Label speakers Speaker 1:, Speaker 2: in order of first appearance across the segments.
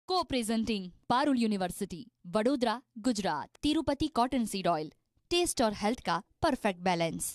Speaker 1: Co-presenting Parul university, Vadodara, Gujarat. Tirupati cotton seed oil, taste और health का perfect balance.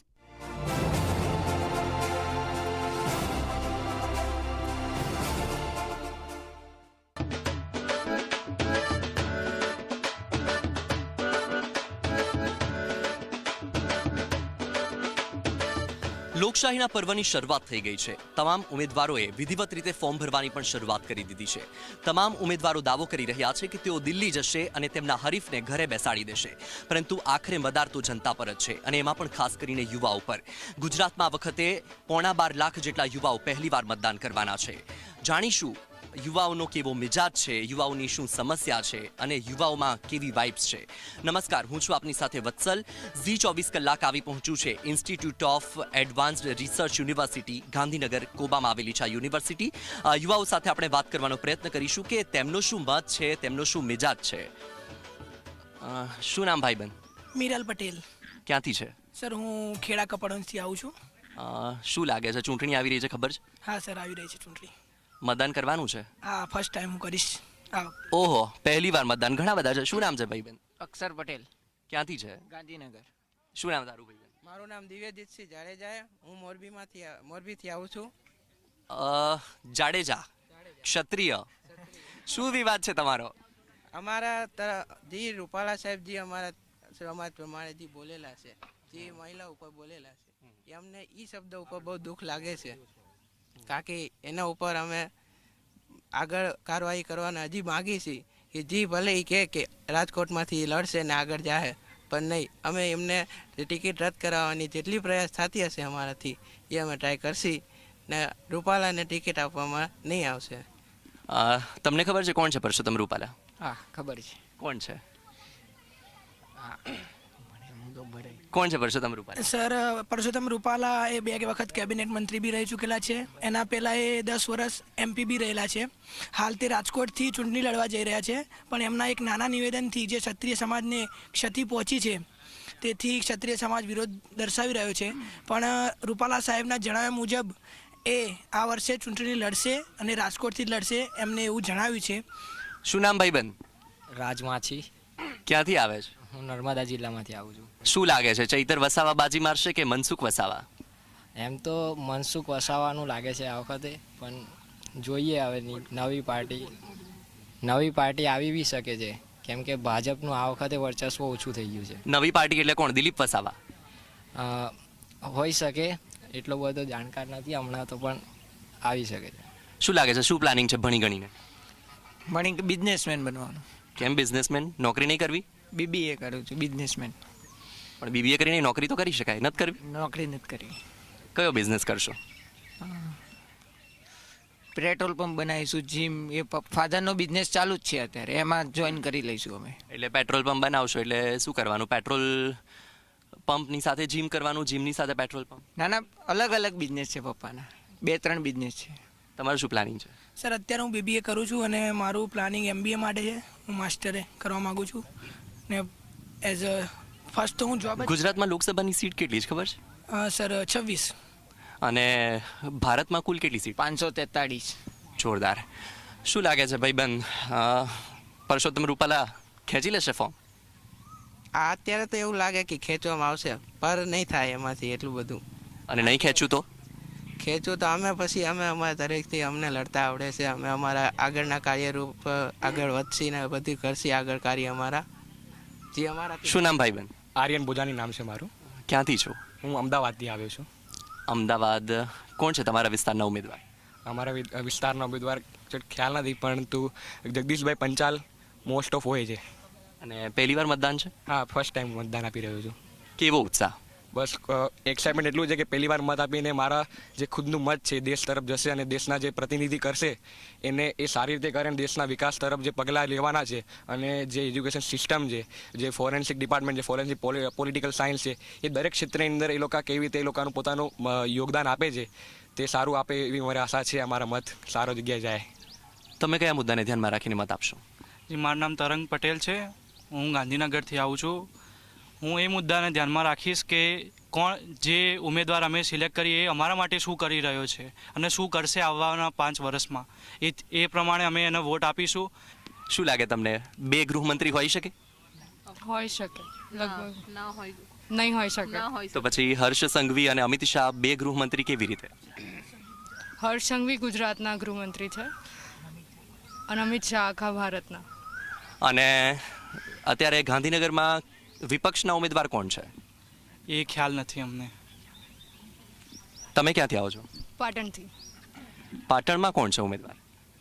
Speaker 2: લોકશાહીના પર્વની શરૂઆત થઈ ગઈ છે। તમામ ઉમેદવારોએ વિધિવત રીતે ફોર્મ ભરવાની પણ શરૂઆત કરી દીધી છે। તમામ ઉમેદવારો દાવો કરી રહ્યા છે કે તેઓ દિલ્હી જશે અને તેમના હરીફને ઘરે બેસાડી દેશે, પરંતુ આખરે મદાર તો જનતા પર જ છે, અને એમાં પણ ખાસ કરીને યુવાઓ પર। ગુજરાતમાં આ વખતે 12.5 લાખ જેટલા યુવાઓ પહેલીવાર મતદાન કરવાના છે। જાણીશું યુવાઓનો કેવો મિજાજ છે, યુવાઓની શું સમસ્યા છે અને યુવાઓમાં કેવી વાઇબ્સ છે। નમસ્કાર, હું છું આપની સાથે વત્સલ। ઝી 24 કલાક આવી પહોંચ્યું છે institute of advanced research university Gandhinagar કોબામાં આવેલી છે આ યુનિવર્સિટી। યુવાઓ સાથે આપણે વાત કરવાનો પ્રયત્ન કરીશું કે તેમનો શું મત છે, તેમનો શું મિજાજ છે। શું નામ ભાઈબંધ?
Speaker 3: મીરાલ પટેલ।
Speaker 2: ક્યાંથી છે
Speaker 3: સર? હું ખેડા કપડવંશથી આવું છું।
Speaker 2: શું લાગે છે, ચૂંટણી આવી રહી છે, ખબર છે?
Speaker 3: હા સર, આવી રહી છે ચૂંટણી।
Speaker 2: મતદાન કરવાનું છે?
Speaker 3: હા, ફર્સ્ટ ટાઈમ હું કરીશ।
Speaker 2: ઓહો, પહેલી વાર મતદાન, ઘણા બધા છે। શું નામ છે ભાઈબંધ?
Speaker 4: અક્ષર પટેલ।
Speaker 2: ક્યાંથી છે?
Speaker 4: ગાંધીનગર।
Speaker 2: શું નામ તારું ભાઈબંધ?
Speaker 5: મારું નામ દિવ્યજીતસિંહ જાડેજા, હું મોરબીથી આવું છું।
Speaker 2: જાડેજા ક્ષત્રિય, શું વિવાદ છે તમારો?
Speaker 5: અમારા જી રૂપાલા સાહેબજી અમારા સમાજ પ્રમાણે જે બોલેલા છે, જે મહિલા ઉપર બોલેલા છે, અમને એ શબ્દ ઉપર બહુ દુઃખ લાગે છે, કારણ કે એના ઉપર અમે આગળ કાર્યવાહી કરવાના હજી માગી છીએ કે જી ભલે એ કે રાજકોટમાંથી લડશે ને આગળ જાય, પણ નહીં, અમે એમને ટિકિટ રદ કરાવવાની જેટલી પ્રયાસ થતી હશે અમારાથી એ અમે ટ્રાય કરશી ને રૂપાલાને ટિકિટ આપવામાં નહીં આવશે।
Speaker 2: તમને ખબર છે કોણ છે પરસોત્તમ રૂપાલા?
Speaker 4: હા, ખબર છે।
Speaker 2: કોણ છે? કોણ છે પરસોત્તમ રૂપાલા?
Speaker 3: સર, પરસોત્તમ રૂપાલા એ 2 વખત કેબિનેટ મંત્રી બી રહી ચૂકેલા છે। એના પહેલાં એ 10 વર્ષ MP બી રહેલા છે। હાલ તે રાજકોટથી ચૂંટણી લડવા જઈ રહ્યા છે, પણ એમના એક નાના નિવેદનથી જે ક્ષત્રિય સમાજને ક્ષતિ પહોંચી છે, તેથી ક્ષત્રિય સમાજ વિરોધ દર્શાવી રહ્યો છે। પણ રૂપાલા સાહેબના જણાવ્યા મુજબ એ આ વર્ષે ચૂંટણી લડશે અને રાજકોટથી જ લડશે, એમને એવું જણાવ્યું છે।
Speaker 2: શું નામ ભાઈબંધ?
Speaker 4: રાજમાછી।
Speaker 2: ક્યાંથી આવે છે?
Speaker 4: હું નર્મદા જિલ્લામાંથી આવું છું।
Speaker 2: શું લાગે છે, ચૈતર વસાવા બાજી મારશે કે મનસુખ વસાવા?
Speaker 4: એમ તો મનસુખ વસાવાનું લાગે છે આ વખતે, પણ જોઈએ હવે નવી પાર્ટી આવી બી શકે છે, કેમ કે ભાજપનું આ વખતે વર્ચસ્વ ઓછું થઈ ગયું છે।
Speaker 2: નવી પાર્ટી એટલે કોણ? દિલીપ વસાવા
Speaker 4: હોઈ શકે, એટલો બધો જાણકાર નથી હમણાં તો, પણ આવી શકે છે।
Speaker 2: શું લાગે છે, શું પ્લાનિંગ છે ભણી ગણીને?
Speaker 5: બિઝનેસમેન બનવાનું।
Speaker 2: કેમ બિઝનેસમેન? નોકરી નહીં કરવી?
Speaker 5: BBA કરું છું, બિઝનેસમેન।
Speaker 2: પણ BBA કરીને નોકરી તો કરી શકાય, નથી કરવી?
Speaker 5: નોકરી નથી કરવી।
Speaker 2: કયો બિઝનેસ કરશો?
Speaker 5: પેટ્રોલ પંપ બનાવીશું, જીમ, એ ફાધરનો બિઝનેસ ચાલુ જ છે અત્યારે, એમાં જોઈન કરી લઈશું અમે।
Speaker 2: એટલે પેટ્રોલ પંપ બનાવશો એટલે શું કરવાનું? પેટ્રોલ પંપની સાથે જીમ કરવાનું, જીમની સાથે પેટ્રોલ પંપ?
Speaker 5: ના, અલગ અલગ બિઝનેસ છે પપ્પાના, 2-3 બિઝનેસ છે।
Speaker 2: તમારું શું પ્લાનિંગ છે?
Speaker 3: સર, અત્યારે હું BBA કરું છું અને મારું પ્લાનિંગ MBA માટે છે। હું માસ્ટરે કરવા માગું છું ને એઝ અ ફર્સ્ટ તો હું જોબ।
Speaker 2: ગુજરાતમાં લોકસભાની સીટ કેટલી છે ખબર છે?
Speaker 3: સર, 26।
Speaker 2: અને ભારતમાં કુલ કેટલી સીટ?
Speaker 5: 543।
Speaker 2: જોરદાર। શું લાગે છે ભાઈબંધ, પરસોત્તમ રૂપાલા ખેંચી લેશે ફોર્મ?
Speaker 5: અત્યારે તો એવું લાગે કે ખેંચવામાં આવશે, પર નહીં થાય એમાંથી એટલું બધું।
Speaker 2: અને નહીં ખેંચું તો?
Speaker 5: ખેંચું તો અમે પછી અમારા તરફથી અમને લડતા આવડે છે, અમે અમારા આગળના કાર્યરૂપ આગળ વધશી ને બધું કરશી આગળ કાર્ય અમારા જે અમારા।
Speaker 2: શું નામ ભાઈબંધ?
Speaker 6: આર્યન બોજાની નામ છે મારું।
Speaker 2: ક્યાંથી છો?
Speaker 6: હું અમદાવાદથી આવ્યો છું।
Speaker 2: અમદાવાદ કોણ છે તમારા વિસ્તારના ઉમેદવાર?
Speaker 6: અમારા વિસ્તારના ઉમેદવાર ખ્યાલ નથી, પરંતુ જગદીશભાઈ પંચાલ મોસ્ટ ઓફ હોય છે।
Speaker 2: અને પહેલી વાર મતદાન છે?
Speaker 6: હા, ફર્સ્ટ ટાઈમ મતદાન આપી રહ્યો છું।
Speaker 2: કેવો ઉત્સાહ?
Speaker 6: બસ એક્સાઇટમેન્ટ એટલું છે કે પહેલી વાર મત આપીને મારા જે ખુદનું મત છે દેશ તરફ જશે, અને દેશના જે પ્રતિનિધિ કરશે એને એ સારી રીતે કરે, અને દેશના વિકાસ તરફ જે પગલાં લેવાના છે, અને જે એજ્યુકેશન સિસ્ટમ છે, જે ફોરેન્સિક ડિપાર્ટમેન્ટ, જે ફોરેન્સિક પોલિટિકલ સાયન્સ છે, એ દરેક ક્ષેત્રની અંદર એ લોકો કેવી રીતે એ લોકોનું પોતાનું યોગદાન આપે છે તે સારું આપે એવી મારી આશા છે। અમારા મત સારો જગ્યાએ જાય।
Speaker 2: તમે કયા મુદ્દાને ધ્યાનમાં રાખીને મત આપશો?
Speaker 7: જી, મારું નામ તરંગ પટેલ છે। હું ગાંધીનગરથી આવું છું। હું એ મુદ્દાને ધ્યાનમાં રાખીશ કે કોણ જે ઉમેદવાર અમે સિલેક્ટ કરીએ એ અમારા માટે શું કરી રહ્યો છે અને શું કરશે આવવાના 5 વર્ષમાં, એ પ્રમાણે અમે એને વોટ આપીશું।
Speaker 2: શું લાગે તમને 2 ગૃહમંત્રી હોઈ શકે?
Speaker 8: હોઈ શકે લગભગ નહીં હોઈ શકે.
Speaker 2: તો પછી હર્ષ સંઘવી અને અમિત શાહ 2 ગૃહમંત્રી કેવી રીતે?
Speaker 8: હર્ષ સંઘવી ગુજરાતના ગૃહમંત્રી છે અને અમિત શાહ આખા ભારતના.
Speaker 2: અને અત્યારે ગાંધીનગરમાં વિપક્ષના ઉમેદવાર કોણ છે?
Speaker 7: એ ખ્યાલ નથી અમને.
Speaker 2: તમે ક્યાંથી આવો છો?
Speaker 8: પાટણથી.
Speaker 2: પાટણમાં કોણ છે ઉમેદવાર?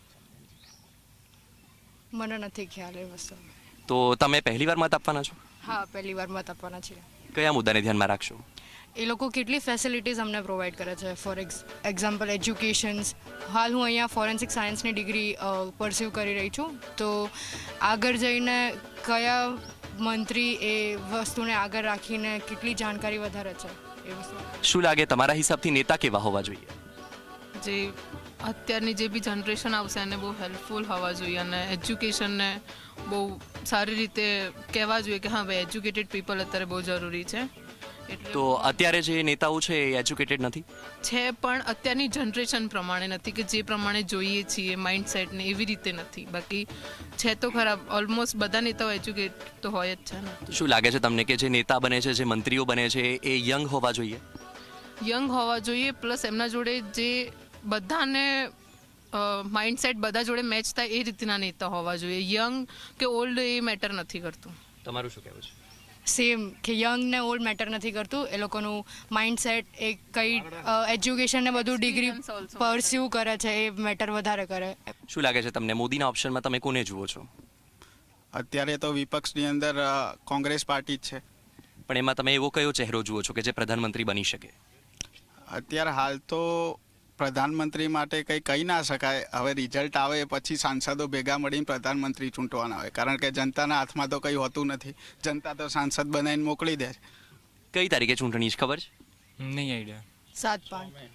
Speaker 8: મને નથી ખ્યાલ એ વસ્તુ.
Speaker 2: તો તમે પહેલી વાર મત આપવાના છો?
Speaker 8: હા, પહેલી વાર મત આપવાના છીએ.
Speaker 2: કયા મુદ્દાને ધ્યાનમાં રાખશો?
Speaker 8: એ લોકો કેટલી ફેસિલિટીઝ અમને પ્રોવાઈડ કરે છે. For example educations. હાલ હું અહીંયા ફોરેન્સિક સાયન્સની ડિગ્રી પરસ્યુ કરી રહી છું. તો આગળ જઈને કયા મંત્રી એ વસ્તુને આગળ રાખીને કેટલી જાણકારી વધારે છે એ વસ્તુ.
Speaker 2: શું લાગે તમારા હિસાબથી નેતા કેવા હોવા જોઈએ?
Speaker 9: જે અત્યારની જે બી જનરેશન આવશે એને બહુ હેલ્પફુલ હોવા જોઈએ અને એજ્યુકેશનને બહુ સારી રીતે કહેવા જોઈએ કે હા ભાઈ એજ્યુકેટેડ પીપલ અત્યારે બહુ જરૂરી છે.
Speaker 2: તો અત્યારે જે નેતાઓ છે એ એજ્યુકેટેડ નથી
Speaker 9: છે પણ અત્યારની જનરેશન પ્રમાણે નથી કે જે પ્રમાણે જોઈએ છીએ માઇન્ડસેટને એવી રીતે નથી. બાકી છે તો ખરાબ ઓલમોસ્ટ બધા નેતાઓ એજ્યુકેટ તો હોય જ છે ને.
Speaker 2: શું લાગે છે તમને કે જે નેતા બને છે, જે મંત્રીઓ બને છે એ યંગ હોવા જોઈએ?
Speaker 9: યંગ હોવા જોઈએ પ્લસ એમના જોડે જે બધાને માઇન્ડસેટ બધા જોડે મેચ થાય એ રીતના નેતા હોવા જોઈએ. યંગ કે ઓલ્ડ એ મેટર નથી કરતું.
Speaker 2: તમારું શું કહેવું છે?
Speaker 8: સેમ કે યંગ ને ઓલ્ડ મેટર નથી કરતું. એ લોકોનું માઇન્ડસેટ એ કઈ એજ્યુકેશન ને બધું ડિગ્રી પરસ્યુ કરે છે એ મેટર વધારે કરે.
Speaker 2: શું લાગે છે તમને મોદીના ઓપ્શનમાં તમે કોને જુઓ છો?
Speaker 10: અત્યારે તો વિપક્ષની અંદર કોંગ્રેસ પાર્ટી જ છે.
Speaker 2: પણ એમાં તમે એવો કયો ચહેરો જુઓ છો કે જે પ્રધાનમંત્રી બની શકે?
Speaker 10: અત્યારે હાલ તો પ્રધાનમંત્રી માટે કંઈ કહી ના શકાય. હવે રિઝલ્ટ આવે પછી સાંસદો ભેગા મળીને પ્રધાનમંત્રી ચૂંટવાના હોય, કારણ કે જનતાના હાથમાં તો કંઈ હોતું નથી. જનતા તો સાંસદ બનાવીને મોકલી દે છે.
Speaker 2: કઈ તારીખે ચૂંટણી છે ખબર છે?
Speaker 7: નહીં આઈડિયા.
Speaker 8: 7-5.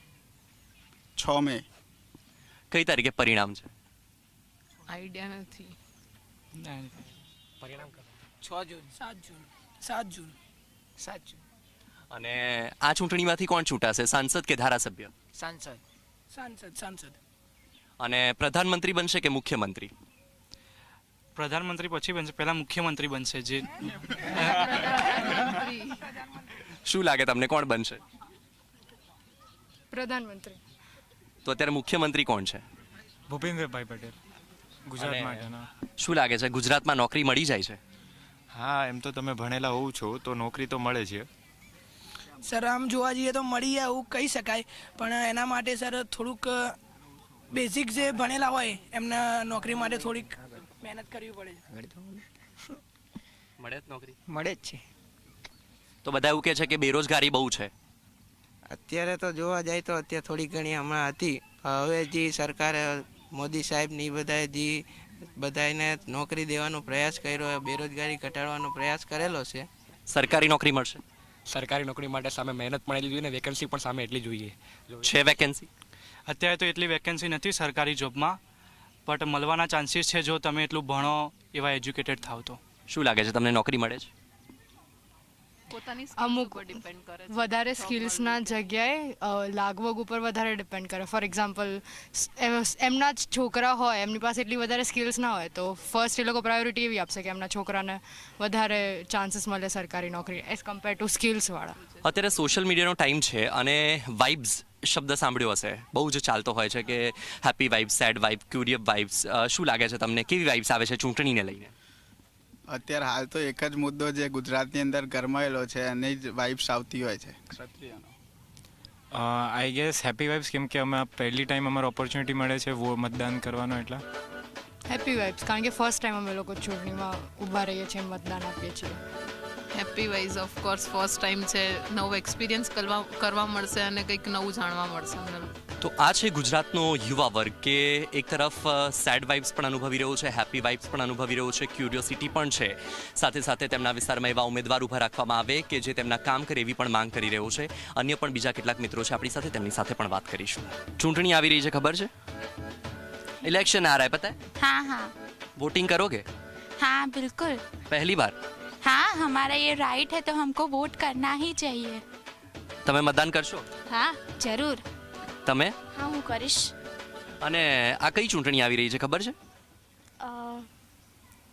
Speaker 10: 6 મે.
Speaker 2: કઈ તારીખે પરિણામ છે?
Speaker 9: આઈડિયા નથી.
Speaker 5: પરિણામ 6 જૂન 7 જૂન.
Speaker 2: અને આ ચૂંટણીમાંથી કોણ ચૂંટાશે, સાંસદ કે ધારાસભ્ય?
Speaker 3: સાંસદ.
Speaker 2: અને પ્રધાનમંત્રી બનશે કે મુખ્યમંત્રી?
Speaker 7: પ્રધાનમંત્રી પછી બનશે, પહેલા મુખ્યમંત્રી બનશે. જે
Speaker 2: શું લાગે તમને કોણ બનશે?
Speaker 8: પ્રધાનમંત્રી.
Speaker 2: તો અત્યારે મુખ્યમંત્રી કોણ છે?
Speaker 11: ભૂપેન્દ્રભાઈ પટેલ ગુજરાત માટેના.
Speaker 2: શું લાગે છે ગુજરાતમાં નોકરી મળી જાય છે?
Speaker 11: હા, એમ તો તમે ભણેલા હોવ છો તો નોકરી તો મળે છે.
Speaker 3: સર આમ જોવા જઈએ તો મળી જાય એવું કહી શકાય, પણ એના માટે સર થોડુંક બેઝિક જે ભણેલા હોય એમને નોકરી માટે થોડીક મહેનત કરવી પડે છે.
Speaker 2: મળે જ નોકરી?
Speaker 5: મળે જ છે.
Speaker 2: તો બધા એવું કહે છે કે બેરોજગારી બહુ છે.
Speaker 5: અત્યારે તો જોવા જાય તો અત્યારે થોડી ઘણી હમણાં હતી. હવે જે સરકારે મોદી સાહેબની બધાએ જે બધાને નોકરી દેવાનો પ્રયાસ કર્યો, બેરોજગારી ઘટાડવાનો પ્રયાસ કરેલો છે.
Speaker 2: સરકારી નોકરી મળશે?
Speaker 6: સરકારી નોકરી માટે સામે મહેનત પણ એટલી જોઈએ ને વેકેન્સી પણ સામે એટલી જોઈએ
Speaker 2: છે. વેકેન્સી
Speaker 7: અત્યારે તો એટલી વેકેન્સી નથી સરકારી જોબમાં, બટ મળવાના ચાન્સીસ છે જો તમે એટલું ભણો, એવા એજ્યુકેટેડ થાવ તો.
Speaker 2: શું લાગે છે તમને નોકરી મળે છે?
Speaker 8: અમુક વધારે સ્કિલ્સના જગ્યાએ લાગવગ ઉપર વધારે ડિપેન્ડ કરે. ફોર એક્ઝામ્પલ એમના જ છોકરા હોય, એમની પાસે એટલી વધારે સ્કિલ્સ ના હોય તો ફર્સ્ટ એ લોકો પ્રાયોરિટી એવી આપશે કે એમના છોકરાને વધારે ચાન્સીસ મળે સરકારી નોકરી એઝ કમ્પેર ટુ સ્કિલ્સવાળા.
Speaker 2: અત્યારે સોશિયલ મીડિયાનો ટાઈમ છે અને વાઇબ્સ શબ્દ સાંભળ્યો હશે, બહુ જ ચાલતો હોય છે કે happy vibes, sad vibes, curious vibes. શું લાગે છે તમને કેવી વાઇબ્સ આવે છે ચૂંટણીને લઈને?
Speaker 10: અત્યારે હાલ તો એક જ મુદ્દો જે ગુજરાતની અંદર ગરમાયેલો છે એની જ વાઇબ્સ આવતી હોય છે ક્ષત્રિયનો.
Speaker 11: આઈ ગેસ હેપી વાઇબ્સ, કેમ કે અમે પહેલી ટાઈમ અમારે ઓપોર્ચ્યુનિટી મળે છે મતદાન કરવાનો. એટલા
Speaker 8: હેપી વાઇબ્સ, કારણ કે ફર્સ્ટ ટાઈમ અમે લોકો ચૂંટણીમાં ઊભા રહીએ છીએ, મતદાન આપીએ છીએ.
Speaker 9: Happy wise of course first time છે, નવો એક્સપિરિયન્સ કરવા મળશે અને કંઈક નવું જાણવા મળશે અમને.
Speaker 2: તો આ છે ગુજરાતનો યુવા વર્ગ કે એક તરફ સેડ વાઇબ્સ પણ અનુભવી રહ્યો છે, હેપી વાઇબ્સ પણ અનુભવી રહ્યો છે, ક્યુરિયોસિટી પણ છે. સાથે સાથે તેમના વિસ્તારમાં એવા ઉમેદવાર ઊભા રાખવામાં આવે કે જે તેમના કામ કરે એવી પણ માંગ કરી રહ્યો છે. અન્ય પણ બીજા કેટલાક મિત્રો છે આપણી સાથે, તેમની સાથે પણ વાત કરીશું. ચૂંટણી આવી રહી છે, ખબર છે? इलेक्शन आ रहा है, पता है?
Speaker 12: हाँ हाँ.
Speaker 2: वोटिंग करोगे?
Speaker 12: हाँ बिल्कुल.
Speaker 2: पहली बार?
Speaker 12: हाँ, हमारा ये राइट है तो हमको वोट करना ही चाहिए.
Speaker 2: તમે મતદાન કરશો?
Speaker 12: हाँ जरूर.
Speaker 2: તમે?
Speaker 12: हाँ હું કરીશ.
Speaker 2: અને આ કઈ ચૂંટણી આવી રહી છે ખબર છે?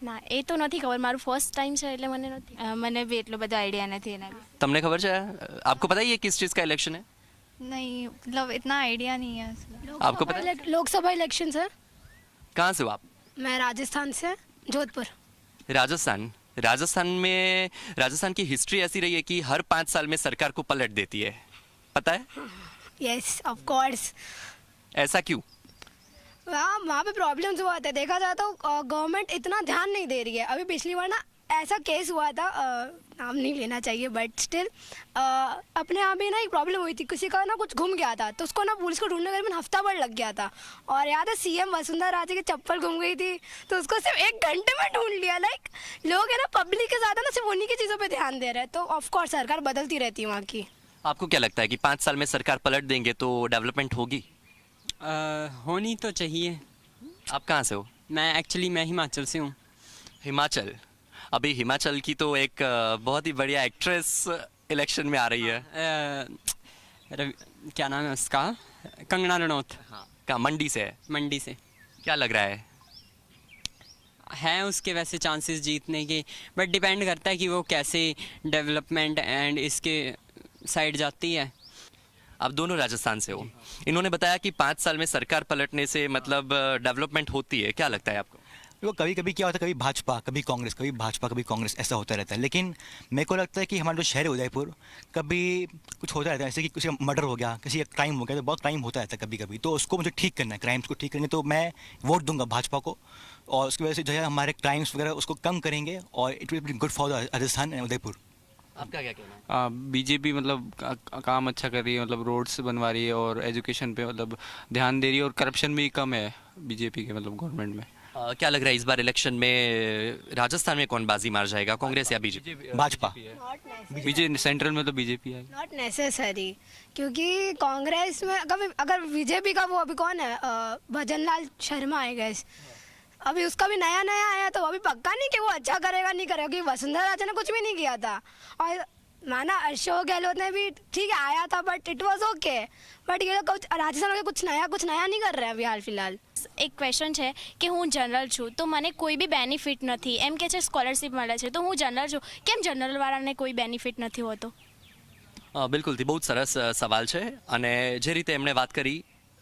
Speaker 13: ના એ તો નથી ખબર, મારું ફર્સ્ટ ટાઈમ છે એટલે મને નથી, મને બી એટલો બધો આઈડિયા નથી એના વિશે.
Speaker 2: તમને खबर है? आपको पता है ये किस चीज़ का इलेक्शन है?
Speaker 13: नहीं, मतलब इतना आइडिया नहीं है.
Speaker 2: आपको पता है?
Speaker 14: Lok Sabha election sir.
Speaker 2: कहाँ से हो आप?
Speaker 14: मैं राजस्थान से, जोधपुर.
Speaker 2: राजस्थान में राजस्थान की हिस्ट्री ऐसी रही है कि हर 5 साल में सरकार को पलट देती है, पता है?
Speaker 14: Yes of course.
Speaker 2: ऐसा क्यों?
Speaker 14: वहाँ पे प्रॉब्लम्स हुआ था, देखा जाए तो गवर्नमेंट इतना ध्यान नहीं दे रही है. अभी पिछली बार ना ऐसा केस हुआ था, नाम नहीं लेना चाहिए बट स्टिल अपने यहाँ भी ना एक प्रॉब्लम हुई थी, किसी का ना कुछ घूम गया था तो उसको ना पुलिस को ढूंढने में हफ्ता भर लग गया था. और याद है सीएम वसुंधरा राजे की चप्पल घूम गई थी तो उसको सिर्फ 1 घंटे में ढूंढ लिया. लाइक लोग है ना पब्लिक के साथ है ना सिर्फ उन्हीं की चीज़ों पर ध्यान दे रहे हैं. तो ऑफकोर्स सरकार बदलती रहती है वहाँ की.
Speaker 2: आपको क्या लगता है कि 5 साल में सरकार पलट देंगे तो डेवलपमेंट होगी?
Speaker 15: होनी तो चाहिए.
Speaker 2: आप कहाँ से हो?
Speaker 15: मैं हिमाचल से हूँ.
Speaker 2: हिमाचल. अभी हिमाचल की तो एक बहुत ही बढ़िया एक्ट्रेस इलेक्शन में आ रही है.
Speaker 15: क्या नाम है उसका? कंगना रनौत.
Speaker 2: हाँ. कहाँ? मंडी से है?
Speaker 15: मंडी से.
Speaker 2: क्या लग रहा
Speaker 15: है उसके वैसे चांसेस जीतने के, बट डिपेंड करता है कि वो कैसे डेवलपमेंट एंड इसके साइड जाती है.
Speaker 2: आप दोनों राजस्थान से हो. इन्होंने बताया कि 5 साल में सरकार पलटने से मतलब डेवलपमेंट होती है. क्या लगता है आपको?
Speaker 16: वो कभी कभी क्या होता है, कभी भाजपा कभी कांग्रेस, कभी भाजपा कभी कांग्रेस, ऐसा होता रहता है. लेकिन मेरे को लगता है कि हमारा जो शहर है उदयपुर, कभी कुछ होता रहता है, जैसे कि किसी का मर्डर हो गया, किसी का क्राइम हो गया, तो बहुत क्राइम होता रहता है कभी कभी. तो उसको मुझे ठीक करना है, क्राइम्स को ठीक करना है. तो मैं वोट दूंगा भाजपा को और उसकी वजह से जो है हमारे क्राइम्स वगैरह उसको कम करेंगे और it will be good for Rajasthan and Udaipur.
Speaker 2: आपका क्या कहना है?
Speaker 17: बीजेपी मतलब काम अच्छा कर रही है, मतलब रोड्स बनवा रही है और एजुकेशन पे मतलब ध्यान दे रही है और करप्शन भी कम है बीजेपी के मतलब गवर्नमेंट में.
Speaker 2: क्या लग रहा है इस बार इलेक्शन में राजस्थान में कौन बाजी मार जाएगा, कांग्रेस या बीजेपी?
Speaker 16: भाजपा.
Speaker 17: बीजेपी सेंट्रल में तो बीजेपी है.
Speaker 14: नॉट नेसेसरी, क्योंकि कांग्रेस में अगर बीजेपी का वो अभी कौन है, भजन लाल शर्मा आई गेस, अभी उसका भी नया आया तो अभी पक्का नहीं कि वो अच्छा करेगा नहीं करेगा, क्योंकि वसुंधरा राजे ने कुछ भी नहीं किया था. और माना अशोक गहलोत ने भी ठीक है आया था but it was okay. But ये कुछ राजस्थान में कुछ नया नहीं कर रहे हैं अभी हाल फिलहाल.
Speaker 13: એક ક્વેશ્ચન છે કે હું જનરલ છું તો મને કોઈ બી બેનિફિટ નથી, એમ કે છે સ્કોલરશિપ મળે છે તો હું જનરલ છું, કેમ જનરલવાળાને કોઈ બેનિફિટ નથી હોતો?
Speaker 2: બિલકુલથી બહુ જ સરસ સવાલ છે. અને જે રીતે એમણે વાત કરી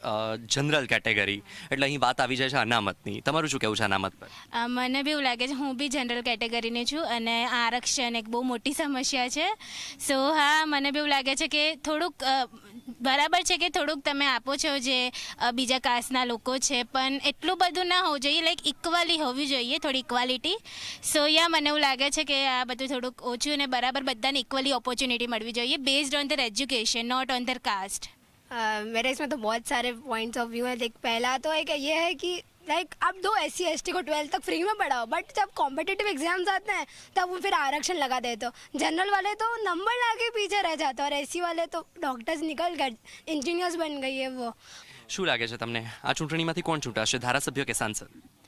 Speaker 2: જનરલ કેટેગરી એટલે અહીં વાત આવી જાય છે અનામતની. તમારું શું કહેવું છે અનામત પર?
Speaker 13: મને બી એવું લાગે છે, હું બી જનરલ કેટેગરીની છું અને આરક્ષણ એક બહુ મોટી સમસ્યા છે. સો હા, મને બી એવું લાગે છે કે થોડુંક બરાબર છે કે થોડુંક તમે આપો છો જે બીજા કાસ્ટના લોકો છે, પણ એટલું બધું ના હોવું જોઈએ, લાઈક ઇક્વલી હોવી જોઈએ, થોડી ઇક્વાલિટી. સો યા મને એવું લાગે છે કે આ બધું થોડુંક ઓછું અને બરાબર બધાને ઇક્વલી ઓપોર્ચ્યુનિટી મળવી જોઈએ based on their education not on their caste.
Speaker 14: मेरे इसमें तो बहुत सारे पॉइंट्स ऑफ व्यू है. देख पहला तो एक ये है कि लाइक आप दो SC/ST को 12th तक फ्री में पढ़ाओ, बट जब कॉम्पिटिटिव एग्जाम्स आते हैं तब वो फिर आरक्षण लगा देते हो. जनरल वाले तो नंबर लाके पीछे रह जाते और SC वाले तो डॉक्टर्स निकल गए, इंजीनियर्स बन गई है वो.
Speaker 2: શું લાગે છે તમને આ ચૂંટણીમાંથી કોણ ચૂંટાશે, ધારાસભ્ય કે સાંસદ?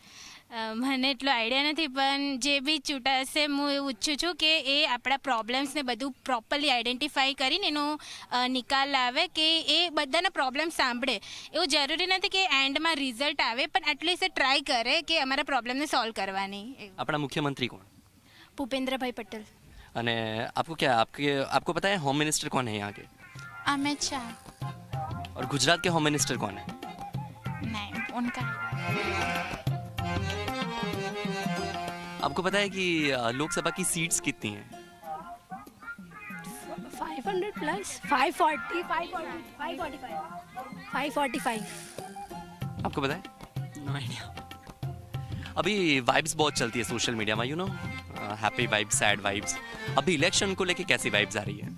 Speaker 13: મને એટલો આઈડિયા નથી, પણ જે બી ચૂંટાશે હું એવું ઈચ્છું છું કે એ આપણા પ્રોબ્લેમ્સને બધું પ્રોપરલી આઈડેન્ટિફાઈ કરીને એનો નિકાલ લાવે, કે એ બધાના પ્રોબ્લેમ સાંભળે. એવું જરૂરી નથી કે એન્ડમાં રિઝલ્ટ આવે, પણ એટલીસ્ટ ટ્રાય કરે કે અમારા પ્રોબ્લેમને સોલ્વ કરવાની.
Speaker 2: આપણા મુખ્યમંત્રી કોણ?
Speaker 13: ભૂપેન્દ્રભાઈ પટેલ.
Speaker 2: અને आपको पता है होम मिनिस्टर कौन है यहाँ के?
Speaker 12: अमित शाह.
Speaker 2: और गुजरात के होम मिनिस्टर कौन है?
Speaker 12: नहीं, उनका
Speaker 2: आपको पता है कि लोकसभा की सीट्स कितनी हैं?
Speaker 14: 500 प्लस 540 545 545.
Speaker 2: आपको पता है?
Speaker 15: No idea.
Speaker 2: अभी वाइब्स बहुत चलती है सोशल मीडिया में, you know, happy vibes, sad vibes. अभी इलेक्शन को लेके कैसी वाइब्स आ रही है?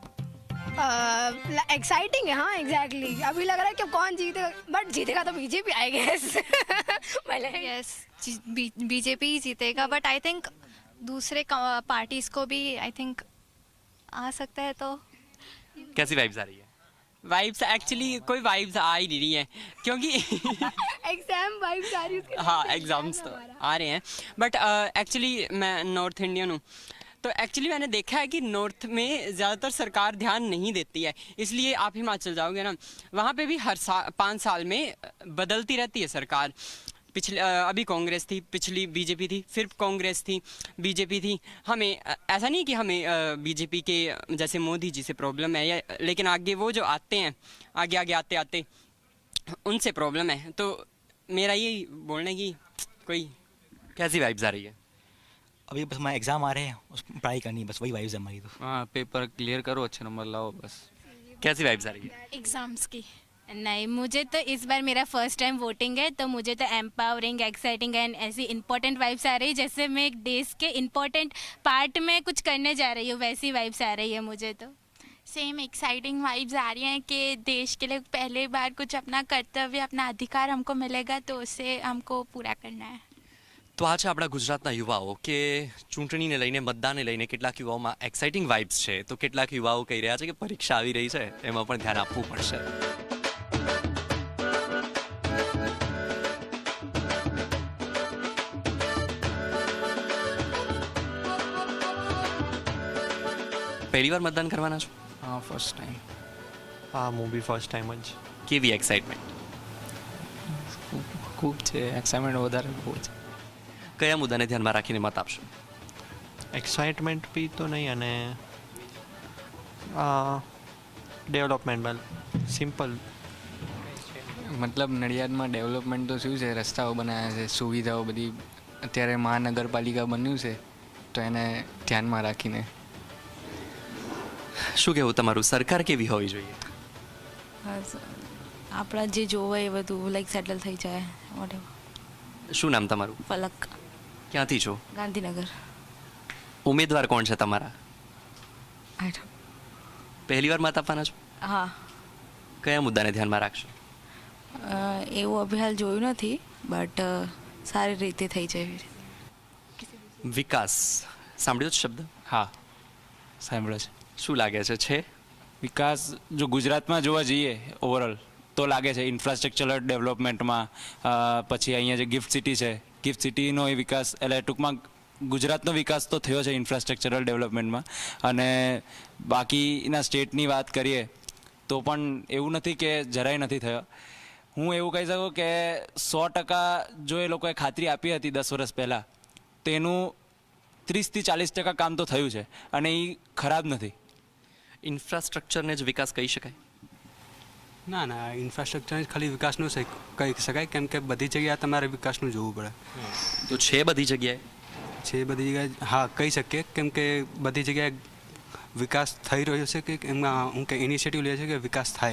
Speaker 14: एक्साइटिंग है. हाँ एग्जैक्टली. अभी लग रहा है कि कौन जीतेगा, बट जीतेगा तो BJP I guess.
Speaker 18: Yes, BJP ही जीतेगा, बट आई थिंक दूसरे पार्टीज को भी आई थिंक आ सकता है. तो
Speaker 2: कैसी वाइब्स आ रही है?
Speaker 15: वाइब्स एक्चुअली कोई वाइब्स आ ही नहीं रही है क्योंकि
Speaker 14: एग्जाम वाइब्स आ रही है.
Speaker 15: हाँ एग्जाम्स तो आ रहे हैं, बट एक्चुअली मैं नॉर्थ इंडियन हूँ, तो एक्चुअली मैंने देखा है कि नॉर्थ में ज़्यादातर सरकार ध्यान नहीं देती है. इसलिए आप हिमाचल जाओगे ना, वहाँ पे भी हर 5 साल में बदलती रहती है सरकार. पिछले अभी कांग्रेस थी, पिछली बीजेपी थी, फिर कांग्रेस थी, बीजेपी थी। हमें ऐसा नहीं कि हमें बीजेपी के जैसे मोदी जी से प्रॉब्लम है, या लेकिन आगे वो जो आते हैं, आगे आगे आते आते उनसे प्रॉब्लम है। तो मेरा यही बोलना है कि कोई
Speaker 2: कैसी वाइब्स आ रही है?
Speaker 16: अभी बस हमारे एग्ज़ाम आ रहे हैं, उस पढ़ाई करनी है, बस वही वाइब्स है हमारी। तो
Speaker 17: हाँ, पेपर क्लियर करो, अच्छे नंबर लाओ, बस।
Speaker 2: कैसी वाइब्स आ रही है?
Speaker 13: एग्जाम्स की नहीं, मुझे तो इस बार मेरा फर्स्ट टाइम वोटिंग है, तो मुझे तो एम्पावरिंग, एक्साइटिंग एंड ऐसी इंपॉर्टेंट वाइब्स आ रही है, जैसे मैं एक देश के इंपॉर्टेंट पार्ट में कुछ करने जा रही हूँ, वैसी वाइब्स आ रही है मुझे। तो
Speaker 12: सेम एक्साइटिंग वाइब्स आ रही हैं कि देश के लिए पहली बार कुछ अपना कर्तव्य, अपना अधिकार हमको मिलेगा, तो उसे हमको पूरा करना है।
Speaker 2: તો આ છે આપણા ગુજરાતના યુવાઓ કે ચૂંટણીને લઈને, મતદાનને લઈને કેટલાક યુવાઓમાં એક્સાઇટિંગ વાઇબ્સ છે, તો કેટલાક યુવાઓ કહી રહ્યા છે કે પરીક્ષા આવી રહી છે, એમાં પણ ધ્યાન આપવું પડશે. પહેલી વાર મતદાન કરવાના છો?
Speaker 17: હા, ફર્સ્ટ ટાઈમ.
Speaker 19: હા, હું બી ફર્સ્ટ ટાઈમ જ.
Speaker 2: કેવી એક્સાઇટમેન્ટ?
Speaker 17: ખૂબ છે, એક્સાઇટમેન્ટ વધારે બહુ છે.
Speaker 2: કયા મુદ્દાને ધ્યાનમાં રાખીને મત આપશો?
Speaker 19: એક્સાઇટમેન્ટ બી તો નહીં, અને ડેવલપમેન્ટ સિમ્પલ.
Speaker 17: મતલબ નડિયાદમાં ડેવલપમેન્ટ તો શું છે, રસ્તાઓ બનાવ્યા છે, સુવિધાઓ બધી. અત્યારે મહાનગરપાલિકા બન્યું છે, તો એને ધ્યાનમાં રાખીને.
Speaker 2: શું કહેવું તમારું, સરકાર કેવી હોવી જોઈએ?
Speaker 20: આપણા જે જોવે એ બધું લાઈક સેટલ થઈ જાય. વોટેવર.
Speaker 2: શું નામ તમારું?
Speaker 20: ફલક.
Speaker 2: ક્યાંથી છો?
Speaker 20: ગાંધીનગર.
Speaker 2: ઉમેદવાર કોણ છે તમારા? પહેલી વાર મત આપવાના છો?
Speaker 20: હા.
Speaker 2: કયા મુદ્દાને ધ્યાનમાં રાખશો?
Speaker 20: એવું અભિહાલ જોયું નથી, બટ સારી રીતે થઈ જાય.
Speaker 2: વિકાસ સાંભળ્યો છે શબ્દ?
Speaker 21: હા, સાંભળ્યો છે.
Speaker 2: શું લાગે છે
Speaker 21: વિકાસ? જો ગુજરાતમાં જોવા જઈએ ઓવરઓલ તો લાગે છે ઇન્ફ્રાસ્ટ્રક્ચરલ ડેવલપમેન્ટમાં. પછી અહીંયા જે ગિફ્ટ સિટી છે, ગિફ્ટ સિટીનો એ વિકાસ, એટલે ટૂંકમાં ગુજરાતનો વિકાસ તો થયો છે ઇન્ફ્રાસ્ટ્રક્ચરલ ડેવલપમેન્ટમાં. અને બાકીના સ્ટેટની વાત કરીએ તો પણ એવું નથી કે જરાય નથી થયો. હું એવું કહી શકું કે 100% જો એ લોકોએ ખાતરી આપી હતી 10 વર્ષ પહેલાં, તેનું 30 થી 40% કામ તો થયું છે, અને એ ખરાબ નથી.
Speaker 2: ઇન્ફ્રાસ્ટ્રક્ચરને જ વિકાસ કહી શકાય?
Speaker 22: ના ના, ઇન્ફ્રાસ્ટ્રક્ચર ખાલી વિકાસનું કહી શકાય, કેમ કે બધી જગ્યાએ તમારે વિકાસનું જોવું પડે.
Speaker 2: તો છે બધી જગ્યાએ?
Speaker 22: છે બધી જગ્યાએ, હા કહી શકીએ, કેમ કે બધી જગ્યાએ વિકાસ થઈ રહ્યો છે, કે એમાં હું કે ઇનિશિયેટિવ લે છે કે વિકાસ થાય.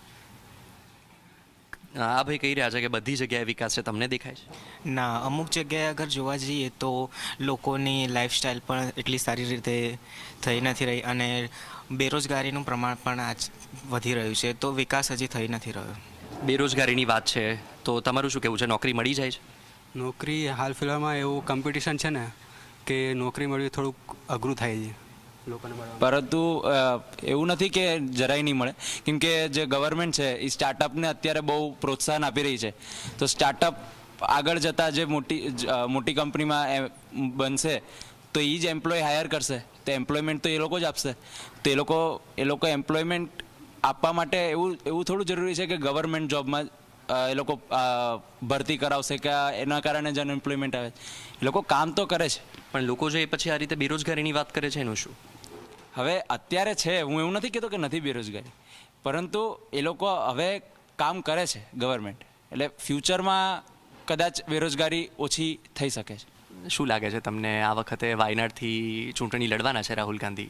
Speaker 2: આ ભાઈ કહી રહ્યા છે કે બધી જગ્યાએ વિકાસ છે, તમને દેખાય છે?
Speaker 23: ના, અમુક જગ્યાએ અગર જોવા જઈએ તો લોકોની લાઈફસ્ટાઈલ પણ એટલી સારી રીતે થઈ નથી રહી, અને બેરોજગારીનું પ્રમાણ પણ આજ વધી રહ્યું છે, તો વિકાસ હજી થઈ નથી રહ્યો.
Speaker 2: બેરોજગારીની વાત છે, તો તમારું શું કહેવું છે, નોકરી મળી જાય છે?
Speaker 22: નોકરી હાલ ફિલહાલમાં એવું કોમ્પિટિશન છે ને કે નોકરી મળવી થોડુંક અઘરું થાય છે લોકોને.
Speaker 21: પરંતુ એવું નથી કે જરાય નહીં મળે, કેમ કે જે ગવર્મેન્ટ છે એ સ્ટાર્ટઅપને અત્યારે બહુ પ્રોત્સાહન આપી રહી છે. તો સ્ટાર્ટઅપ આગળ જતાં જે મોટી કંપનીમાં બનશે, તો એ જ એમ્પ્લોય હાયર કરશે, તો એમ્પ્લોયમેન્ટ તો એ લોકો જ આપશે. તો એ લોકો એમ્પ્લોયમેન્ટ આપવા માટે એવું થોડું જરૂરી છે કે ગવર્મેન્ટ જોબમાં એ લોકો ભરતી કરાવશે કે એના કારણે જ અનએમ્પ્લોયમેન્ટ આવે. એ લોકો કામ તો કરે છે,
Speaker 2: પણ લોકો જે પછી આ રીતે બેરોજગારીની વાત કરે છે એનું શું?
Speaker 21: હવે અત્યારે છે, હું એવું નથી કહેતો કે નથી બેરોજગારી, પરંતુ એ લોકો હવે કામ કરે છે ગવર્મેન્ટ, એટલે ફ્યુચરમાં કદાચ બેરોજગારી ઓછી થઈ શકે છે.
Speaker 2: શું લાગે છે તમને, આ વખતે વાયનાડથી ચૂંટણી લડવાના છે રાહુલ ગાંધી?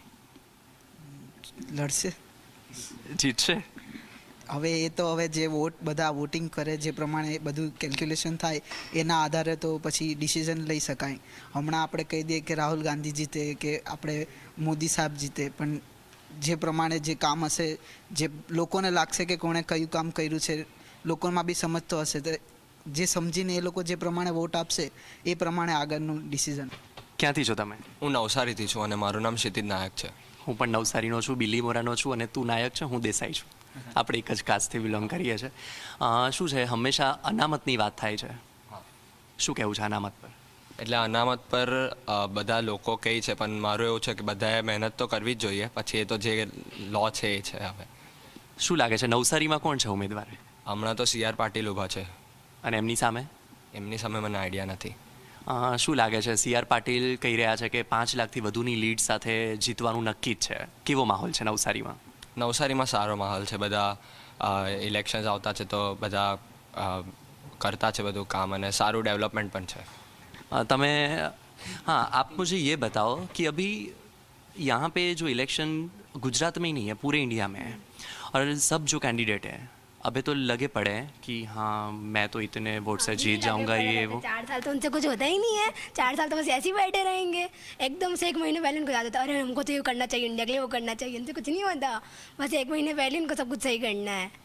Speaker 24: લડશે,
Speaker 2: જીતશે.
Speaker 24: હવે એ તો હવે જે બધા વોટિંગ કરે, જે પ્રમાણે બધું કેલ્ક્યુલેશન થાય એના આધારે તો પછી ડિસિઝન લઈ શકાય. હમણાં આપણે કહી દઈએ કે રાહુલ ગાંધી જીતે કે આપણે મોદી સાહેબ જીતે, પણ જે પ્રમાણે જે કામ હશે, જે લોકોને લાગશે કે કોણે કયું કામ કર્યું છે, લોકોમાં બી સમજતો હશે, તો જે સમજીને એ લોકો જે પ્રમાણે વોટ આપશે એ પ્રમાણે આગળનું ડિસિઝન.
Speaker 2: ક્યાંથી છો તમે?
Speaker 25: હું નવસારીથી છું અને મારું નામ ક્ષિતિજ નાયક છે.
Speaker 2: હું પણ નવસારીનો છું, બિલીમોરાનો છું, અને તું નાયક છે, હું દેસાઈ છું. આપણે એક જ કાસ્ટથી બિલોંગ કરીએ છીએ. શું છે, હંમેશા અનામતની વાત થાય છે, શું કહેવું છે અનામત પર?
Speaker 25: એટલે અનામત પર બધા લોકો કહે છે, પણ મારું એવું છે કે બધાએ મહેનત તો કરવી જ જોઈએ, પછી એ તો જે લો છે એ છે. હવે
Speaker 2: શું લાગે છે નવસારીમાં કોણ છે ઉમેદવાર?
Speaker 25: હમણાં તો CR પાટીલ ઊભા છે.
Speaker 2: અને એમની સામે
Speaker 25: એમની સામે મને આઈડિયા નથી.
Speaker 2: શું લાગે છે, સી.આર. પાટીલ કહી રહ્યા છે કે 5 લાખથી વધુની લીડ સાથે જીતવાનું નક્કી જ છે. કેવો માહોલ છે નવસારીમાં?
Speaker 25: નવસારીમાં સારો માહોલ છે. બધા ઇલેક્શન્સ આવતા છે તો બધા કરતા છે બધું કામ અને સારું ડેવલપમેન્ટ પણ છે.
Speaker 2: તમે हाँ, आप मुझे ये बताओ कि अभी यहाँ पे जो इलेक्शन गुजरात में ही नहीं है, पूरे इंडिया में है और सब जो कैंडिडेट है अभी तो लगे पड़े हैं कि हाँ मैं तो इतने वोट से जीत जाऊंगा, ये वो.
Speaker 14: 4 साल तो उनसे कुछ होता ही नहीं है. 4 साल तो बस ऐसे ही बैठे रहेंगे. एकदम से 1 महीने पहले उनको याद होता है अरे हमको तो ये करना चाहिए, इंडिया के लिए वो करना चाहिए. उनसे कुछ नहीं होता. बस 1 महीने पहले उनको सब कुछ सही करना है.